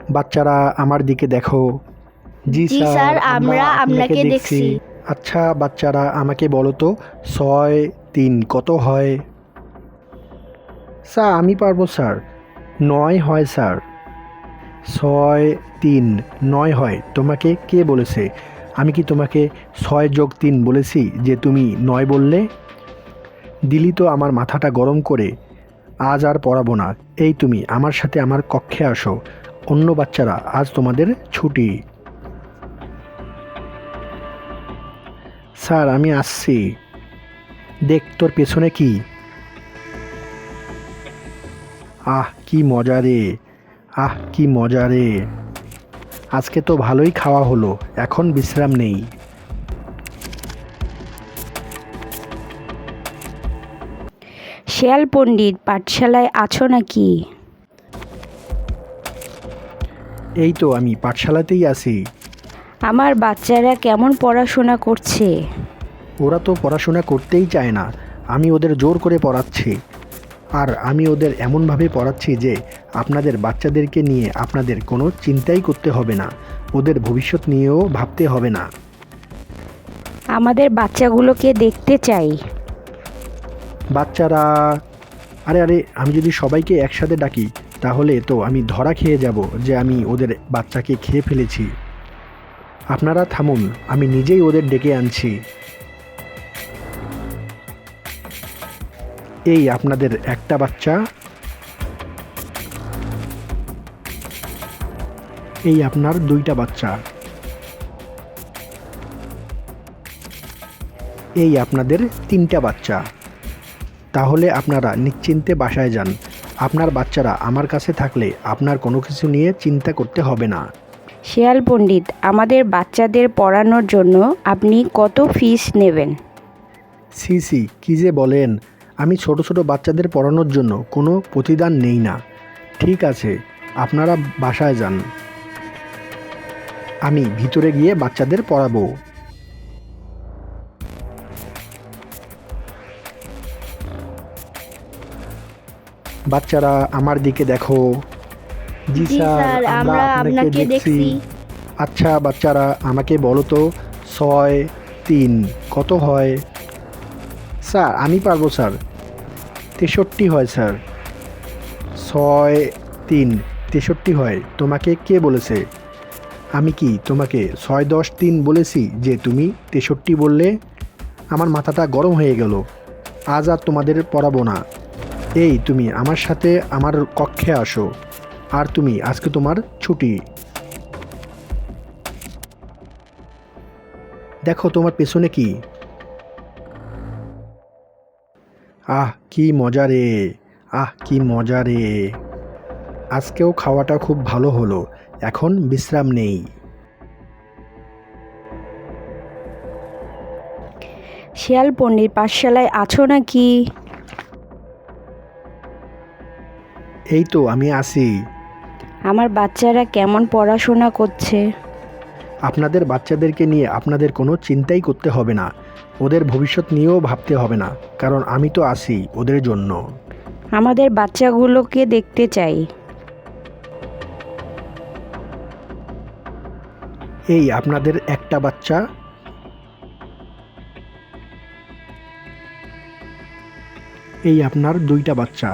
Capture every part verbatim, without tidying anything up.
বাচ্চারা আমার দিকে দেখো। জি জি স্যার, স্যার, আমরা আমরা আপনাকে আপনাকে দেখছি। দেখছি। আচ্ছা বাচ্চারা আমাকে বলো তো, ছয় তিন কত হয়? স্যার আমি পারবো স্যার। নয় হয় স্যার। ছয় তিন নয় হয়, তোমাকে কে বলেছে? আমি কি তোমাকে ছয় যোগ তিন বলেছি যে তুমি নয় বললে? দিলি তো আমার মাথাটা গরম করে। আজ আর পড়াবো না। এই তুমি আমার সাথে আমার কক্ষে আসো। অন্য বাচ্চারা আজ তোমাদের ছুটি। স্যার আমি আসছি। দেখ তোর পেছনে কি। আহ কি মজা রে। আহ কি মজা রে। আজকে তো ভালোই খাওয়া হলো, এখন বিশ্রাম নেই। শেয়াল পণ্ডিত, পাঠশালায় আছো নাকি? এই তো আমি পাঠশালাতেই আছি। আমার বাচ্চারা কেমন পড়াশোনা করছে? ওরা তো পড়াশোনা করতেই চায় না। আমি ওদের জোর করে পড়াচ্ছি। আর আমি ওদের এমনভাবে পড়াচ্ছি যে আপনাদের বাচ্চাদেরকে নিয়ে আপনাদের কোনো চিন্তাই করতে হবে না। ওদের ভবিষ্যৎ নিয়েও ভাবতে হবে না। আমাদের বাচ্চাগুলোকে দেখতে চাই। বাচ্চারা, আরে আরে আমি যদি সবাইকে একসাথে ডাকি তাহলে তো আমি ধরা খেয়ে যাব যে আমি ওদের বাচ্চাকে খেয়ে ফেলেছি। আপনারা থামুন, আমি নিজেই ওদের ডেকে আনছি। এই আপনাদের একটা বাচ্চা, এই আপনার দুইটা বাচ্চা, এই আপনাদের তিনটা বাচ্চা। তাহলে আপনারা নিশ্চিন্তে বাসায় যান। আপনার বাচ্চারা আমার কাছে থাকলে আপনার কোনো কিছু নিয়ে চিন্তা করতে হবে না। শেয়াল পণ্ডিত, আমাদের বাচ্চাদের পড়ানোর জন্য আপনি কত ফিস নেবেন? সি সি কী যে বলেন, আমি ছোট ছোট বাচ্চাদের পড়ানোর জন্য কোনো প্রতিদান নেই না। ঠিক আছে, আপনারা বাসায় যান, আমি ভিতরে গিয়ে বাচ্চাদের পড়াবো। বাচ্চারা আমার দিকে দেখো। জি জি স্যার, স্যার, আমরা আমরা আপনাকে আপনাকে দেখছি। দেখছি। আচ্ছা বাচ্চারা আমাকে বলো তো, ছয় তিন কত হয়? স্যার আমি পারবো স্যার। তেষট্টি হয় স্যার। ছয় তিন তেষট্টি হয়, তোমাকে কে বলেছে? আমি কি তোমাকে ছয় দশ তিন বলেছি যে তুমি তেষট্টি বললে? আমার মাথাটা গরম হয়ে গেল। আজ আর তোমাদের পড়াবো না। এই তুমি আমার সাথে আমার কক্ষে আসো। আর তুমি আজকে তোমার ছুটি। দেখো তোমার পেছনে কি। আহ কি মজা রে। আহ কি মজা রে। আজকেও খাওয়াটা খুব ভালো হলো, এখন বিশ্রাম নেই। শেয়াল পণ্ডিত, পাঠশালায় আছো নাকি? এই তো আমি আসি। আমার বাচ্চারা কেমন পড়াশোনা করছে? আপনাদের বাচ্চাদেরকে নিয়ে আপনাদের কোনো চিন্তাই করতে হবে না। ওদের ভবিষ্যৎ নিয়েও ভাবতে হবে না, কারণ আমি তো আছি ওদের জন্য। আমাদের বাচ্চাগুলোকে দেখতে চাই। এই আপনাদের একটা বাচ্চা, এই আপনার দুইটা বাচ্চা,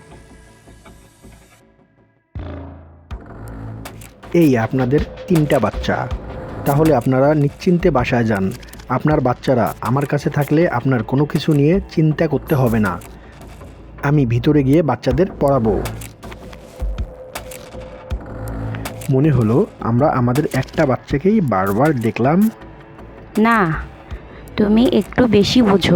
এই আপনাদের তিনটা বাচ্চা। তাহলে আপনারা নিশ্চিন্তে বাসায় যান। আপনার বাচ্চারা আমার কাছে থাকলে আপনার কোনো কিছু নিয়ে চিন্তা করতে হবে না। আমি ভিতরে গিয়ে বাচ্চাদের পড়াবো। মনে হলো আমরা আমাদের একটা বাচ্চাকেই বারবার দেখলাম। না, তুমি একটু বেশি বোঝো।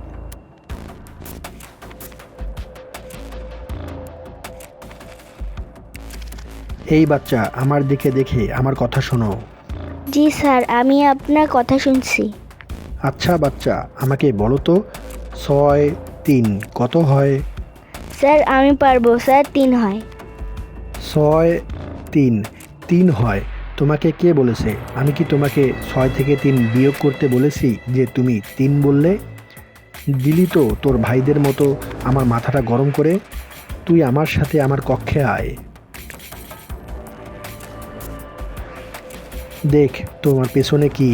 এই বাচ্চা আমার দিকে দেখে আমার কথা শোনো। জি স্যার, আমি আপনার কথা শুনছি। আচ্ছা বাচ্চা আমাকে বলো তো, ছয় তিন কত হয়? স্যার আমি পারবো স্যার, তিন হয়। ছয় তিন তিন হয়, তোমাকে কে বলেছে? আমি কি তোমাকে ছয় থেকে তিন বিয়োগ করতে বলেছি যে তুমি তিন বললে? দিলি তো তোর ভাইদের মতো আমার মাথাটা গরম করে। তুই আমার সাথে আমার কক্ষে আয়। দেখ তোমার পেছনে কি।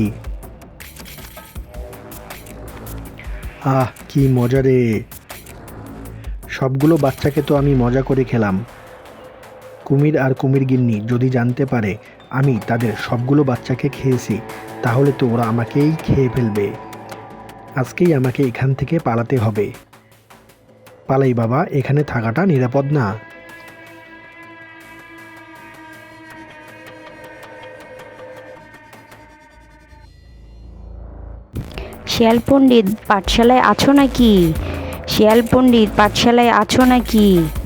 আহ কি মজা রে। সবগুলো বাচ্চাকে তো আমি মজা করে খেলাম। কুমির আর কুমির গিন্নি যদি জানতে পারে আমি তাদের সবগুলো বাচ্চাকে খেয়েছি, তাহলে তো ওরা আমাকেই খেয়ে ফেলবে। আজকেই আমাকে এখান থেকে পালাতে হবে। পালাই বাবা, এখানে থাকাটা নিরাপদ না। শিয়াল পণ্ডিত পাঠশালায় আছো নাকি? শিয়াল পণ্ডিত পাঠশালায় আছো নাকি?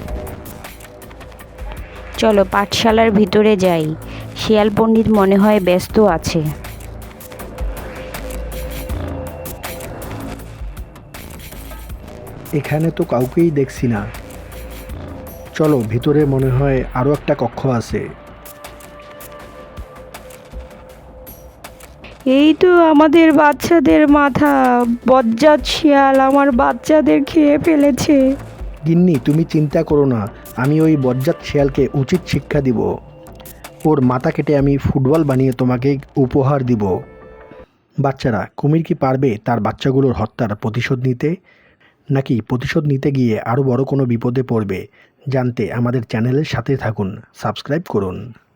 চলো পাঠশালার ভিতরে যাই। শিয়াল পণ্ডিত মনে হয় ব্যস্ত আছে। এখানে তো কাউকেই দেখছি না। চলো ভিতরে, মনে হয় আরও একটা কক্ষ আছে। এই তো আমাদের বাচ্চাদের মাথা। বজ্জাত শিয়াল আমার বাচ্চাদের খেয়ে ফেলেছে। গিন্নি তুমি চিন্তা করো না, আমি ওই বজ্জাত শিয়ালকে উচিত শিক্ষা দিব। ওর মাথা কেটে আমি ফুটবল বানিয়ে তোমাকে উপহার দিব। বাচ্চারা, কুমির কি পারবে তার বাচ্চাগুলোর হত্যার প্রতিশোধ নিতে, নাকি প্রতিশোধ নিতে গিয়ে আরও বড় কোনো বিপদে পড়বে? জানতে আমাদের চ্যানেলের সাথে থাকুন, সাবস্ক্রাইব করুন।